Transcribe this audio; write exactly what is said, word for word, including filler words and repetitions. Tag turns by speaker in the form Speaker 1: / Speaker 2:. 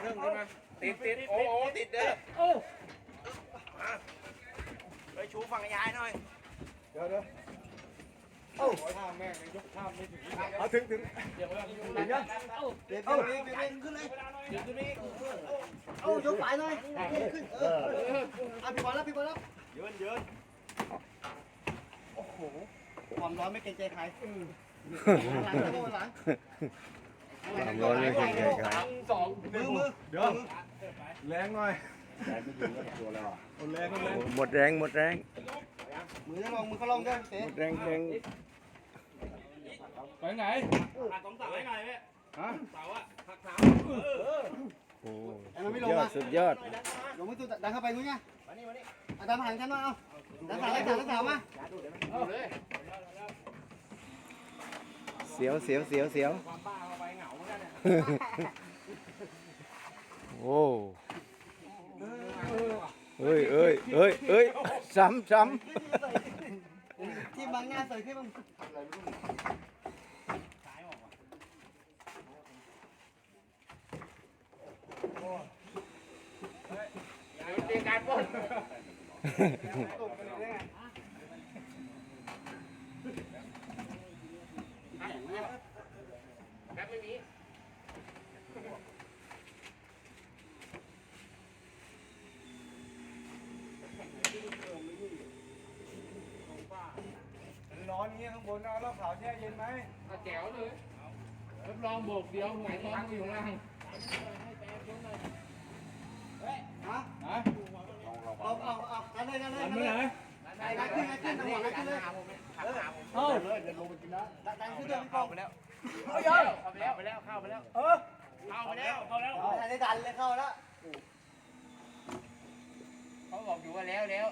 Speaker 1: รึ่งขึ้นมาติดติดโอ้โหติดเด้อ
Speaker 2: โอ้
Speaker 1: ไปชูฝั่งยายหน่อย
Speaker 3: เดี๋ยวเดี๋ยวเอ้าข้ามแม่งยกข้ามไม่ถึงเอาถึงถึงถึงยัง
Speaker 2: เอ้า
Speaker 3: เดี๋ยวเดี๋ยวเดี๋ยวขึ้นเลย
Speaker 2: เดี๋ยวตัวนี้
Speaker 3: เอ้ายกไปหน่อยขึ้นเออเอาพี่บอลแล้วพี่บอลแล้ว
Speaker 1: ยืนยืน
Speaker 3: โอ้โหความร้อนไม่เกรงใจใครหลังจะโดนหลัง
Speaker 4: ความร้อนไม่เคยเกิดใคร
Speaker 2: สอง
Speaker 3: มือมือเดี๋ยวแรงหน่อยแรงไม่ถึงก็ตัวแล้วแรงแรง
Speaker 4: หมดแรงหมดแรง
Speaker 3: มือจะลงมือเขาลงด้วยเต๋
Speaker 4: หมดแรงแรง
Speaker 2: ไปไหน
Speaker 1: หักสองเสาให้หน่อยเว้ย
Speaker 3: ฮะ
Speaker 1: เสาอะหักเสา
Speaker 4: โอ้
Speaker 3: ไอ้มันไม่
Speaker 4: สุ
Speaker 3: ล
Speaker 4: ด
Speaker 3: ง
Speaker 4: ยอ
Speaker 3: อ่ะ
Speaker 4: ดสุดยอด
Speaker 3: ลงมือตัวดันเข้าไปนู้นไง
Speaker 1: มานี่มานี่
Speaker 3: อ่ะดันผ่านฉันมาเอาดันผ่านแล้วดันแล้วมา
Speaker 2: เอาเลย
Speaker 4: เสียวเสียวเสียวเสียว
Speaker 1: ความบ้าเข้าไปเหงาเหมือนกันเนี่ย
Speaker 4: โอ้เอ้ยเอ้ยเอ้ยเอ้ยซ้ำซ้
Speaker 3: ที่บางหน้าใส่ขึ้นมึง
Speaker 2: เตรียมการปล้น
Speaker 4: ำ
Speaker 2: แป๊บไม่มี
Speaker 3: ร้อนเงี้ยข้างบนเอาแล้วขาวแช่เย็นไหม
Speaker 2: เอาแจ๋วเลยรับรองโบกเดียวหงายท้องอยู่ข้างล่าง
Speaker 3: ฮะ
Speaker 2: ฮะ
Speaker 3: เอาเอาเอากันเลยกันเลย
Speaker 2: ทำ
Speaker 3: กัน
Speaker 2: ไม่
Speaker 3: เลย
Speaker 2: ไหน
Speaker 3: ไอ้กันขึ้นไอ้ขึ้นจังหวะกันขึ้นเลย
Speaker 1: ขับหาผม
Speaker 2: เอ้า
Speaker 3: ดันขึ้นเลยพี่ป
Speaker 1: เข้า
Speaker 3: อง
Speaker 1: ไปแล้ว
Speaker 3: เอายัง
Speaker 1: เข้าไปแล้วไปแล้วเข้าไปแล้ว
Speaker 3: เออ
Speaker 1: เข้าไปแล้วเข้าแล้ว
Speaker 3: เอาได้ดันเลยเข้าแล้ว
Speaker 1: เขาบอกอยู่ว่าแล้วแล้ว